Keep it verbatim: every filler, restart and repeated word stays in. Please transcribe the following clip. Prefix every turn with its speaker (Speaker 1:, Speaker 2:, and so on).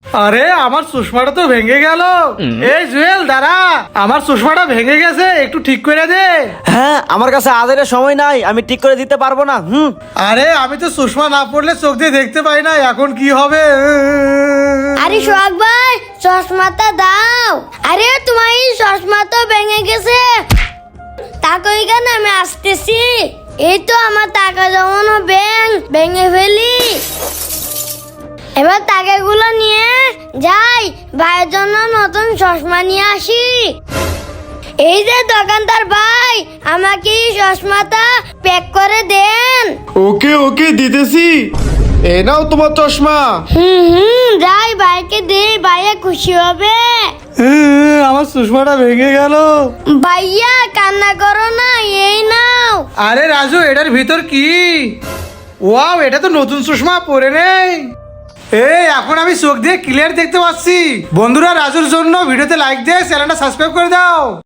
Speaker 1: আরে আমার চশমাটা তো ভেঙে গেল। এই জুয়েল দাঁড়া, আমার চশমাটা ভেঙে গেছে, একটু ঠিক করে দে।
Speaker 2: হ্যাঁ, আমার কাছে আজের সময় নাই, আমি ঠিক করে দিতে পারবো না। হুম
Speaker 1: আরে আমি তো চশমা না পড়লে চোখ দিয়ে দেখতে পাই না, এখন কি হবে?
Speaker 3: আরে সোহাগ ভাই, চশমাটা দাও। আরে তোমার এই চশমা তো ভেঙে গেছে। টাকা এখানে আমি আসতেছি। এই তো আমার টাকা জমানো ব্যাংক ভেঙে ফেলি। এবার টাকাগুলো নিয়ে যাই, ভাইয়ের জন্য নতুন চশমা নিয়ে আসি। এই যে দোকানদার ভাই, আমাকে এই চশমাটা প্যাক করে দেন।
Speaker 4: ওকে ওকে দিতেছি, এ নাও তোমার চশমা।
Speaker 3: হুম হুম যাই, ভাইকে দে, ভাইয়া খুশি হবে।
Speaker 1: আমার চশমাটা ভেঙে গেল।
Speaker 3: ভাইয়া কান্না করো না, এই নাও।
Speaker 1: আরে রাজু, এটার ভিতর কি? ওয়াও, এটা তো নতুন চশমা, পরে নেই। এই এখন আমি চোখ দিয়ে ক্লিয়ার দেখতে পাচ্ছি। বন্ধুরা, রাজুর জন্য ভিডিওতে লাইক দিয়ে চ্যানেলটা সাবস্ক্রাইব করে দাও।